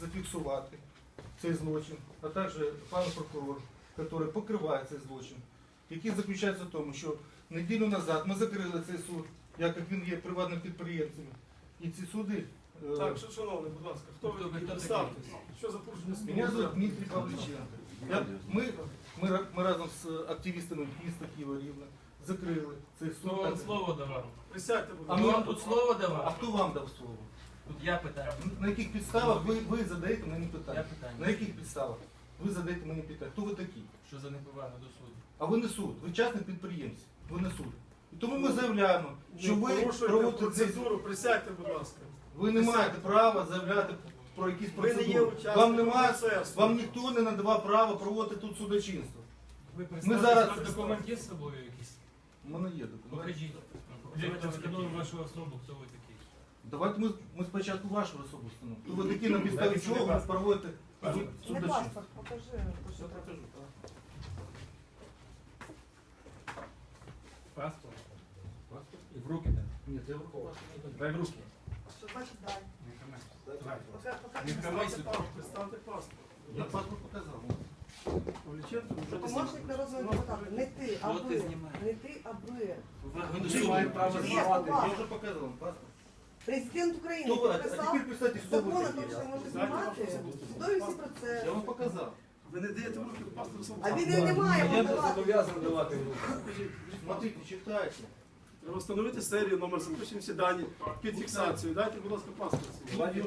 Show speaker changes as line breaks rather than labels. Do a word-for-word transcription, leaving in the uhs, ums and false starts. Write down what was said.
зафіксувати цей злочин, а також пан прокурор, який покриває цей злочин, який заключається в тому, що неділю назад ми закрили цей суд, як він є приватним підприємцем, і ці суди... е,
Так, що, шановний, будь ласка, хто ви такі? Представтесь. Що за порушення
Меня
службового
зовут
порядку?
Дмитрий Павличенко. Я, ми, ми, ра- ми разом з активістами міста Києва Рівне закрили цей
Хто
суд.
вам слово давав?
Присядьте, будь
А
Хто
ми-
ласка.
вам тут слово
А
давав?
хто вам дав слово?
Тут я питаю.
На яких підставах ви, ви задаєте мені
Я
питання?
питання.
На яких підставах? Ви задаєте мені питання. Хто ви такі?
Що за неповага до суду?
А ви не суд, ви частний підприємці, ви не суд. І тому ми заявляємо, що
Не
ви
порушуйте
проводите цей...
процедуру, присядьте, будь ласка.
Ви не маєте права заявляти про якісь
Ви не є
процедури.
учасником
Вам немає,
процесу.
вам ніхто не надавав права проводити тут судочинство.
Ви
Ми зараз...
документ є з собою якийсь?
У мене є документ.
Покажіть. Давайте встановимо вашу особу, хто ви такий.
Давайте ми, ми спочатку вашу особу встановимо. То ви такі на підставі чого ви проводите
Не
судочинство?
паспорт, покажи. то, що
Я
треба.
покажу, так.
Паспорт. І в руки дай.
Ні, це враховано.
Дай в руки.
Що значить дай?
Давай.
Пока- пока-
Не
Представте
Давай
паспорт, представте паспорт.
Я паспорт показав.
Павліченко, вже
Помощник народного депутата. Не ти, а
Що ти
ви.
знімаєш?
Не ти, а ви.
Ви до
Ви
суду.
маєте право
Є,
знімати.
папа.
Я вже показав вам паспорт.
Президент України
Хто ви? А
підписав
тепер представте, хто ви
закон о тому,
такі.
що може
Знаєте,
знімати.
вашу особисту
Судові всі
паспорт?
процеси.
Я вам показав.
Ви не даєте в руки паспорт особи.
А він не має
Я
вам давати.
зобов'язаний давати в руки.
Смотрите, читайте.
Треба встановити серію, номер, запишемо всі дані під фіксацію. Дайте, будь ласка, паспорт. свій.